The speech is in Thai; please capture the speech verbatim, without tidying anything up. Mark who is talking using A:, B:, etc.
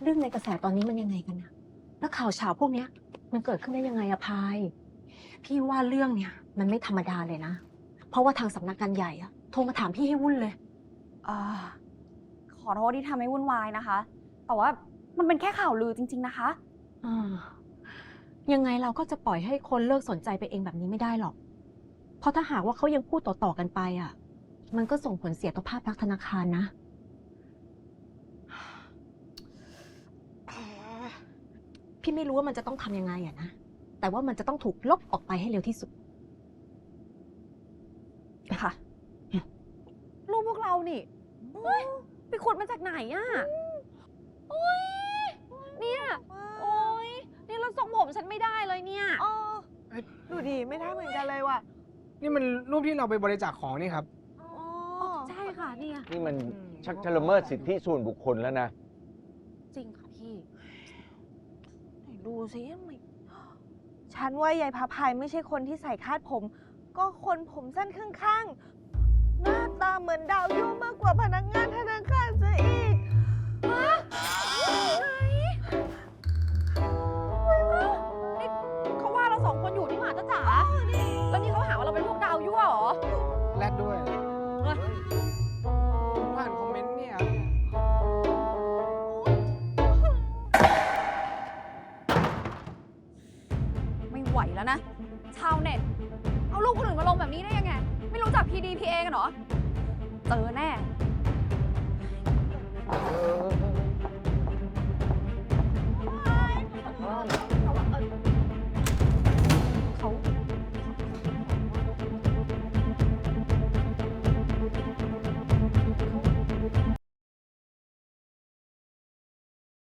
A: เรื่องในกระแสตอนนี้มันยังไงกันนะแล้วข่าวเช้าพวกเนี้ยมันเกิดขึ้นได้ยังไงอะพายพี่ว่าเรื่องเนี้ยมันไม่ธรรมดาเลยนะเพราะว่าทางสำนักงานใหญ่อะโทรมาถามพี่ให้วุ่นเลย
B: อ่าขอโทษที่ทำให้วุ่นวายนะคะ แต่ว่ามันเป็นแค่ข่าวลือจริงๆนะคะ
A: อ่ายังไงเราก็จะปล่อยให้คนเลิกสนใจไปเองแบบนี้ไม่ได้หรอก เพราะถ้าหากว่าเขายังพูดต่อๆกันไปอ่ะ มันก็ส่งผลเสียต่อภาพลักษณ์ธนาคารนะ พี่ไม่รู้ว่ามันจะต้องทำยังไงอะนะ แต่ว่ามันจะต้องถูกลบออกไปให้เร็วที่สุด
B: ค่ะ รูปพวกเรานี่เฮ้ยไปขุดมาจากไหนอะโอ้ยเนี่ยโอ้ยนี่เราทรงผมฉันไม่ได้เลยเนี่ย
C: อ๋อดูดีไม่ได้เหมือนกันเลยว่ะ
D: นี่มันรูปที่เราไปบริจาคของนี่ครับ
C: อ๋อ
B: ใช่ค่ะเนี่ย
E: นี่มันชักจะละเมิดสิทธิส่วนบุคคลแล้วนะ
B: จริงค่ะพี่
C: ไหนดูสิไม่ฉันว่ายายพาพายไม่ใช่คนที่ใส่คาดผม ก็คนผมสั้นข้างๆ หน้าตาเหมือนดาวยุ่งมากกว่าพนักงานธนาคารซะอีก
B: นี่เขาว่าเราสองคนอยู่นี่หว่าจ้าจ๋าแล้วนี่เขาหาว่าเราเป็นพวกดาวยั่วเหรอ
D: แลดด้วยผ่านคอมเมนต์เนี่ย
B: ไม่ไหวแล้วนะ ชาวเน็ต เอารูปคนอื่นมาลงแบบนี้ได้ยังไง ไม่รู้จัก พี ดี พี เอ กันเหรอ เจอแน่
E: เออ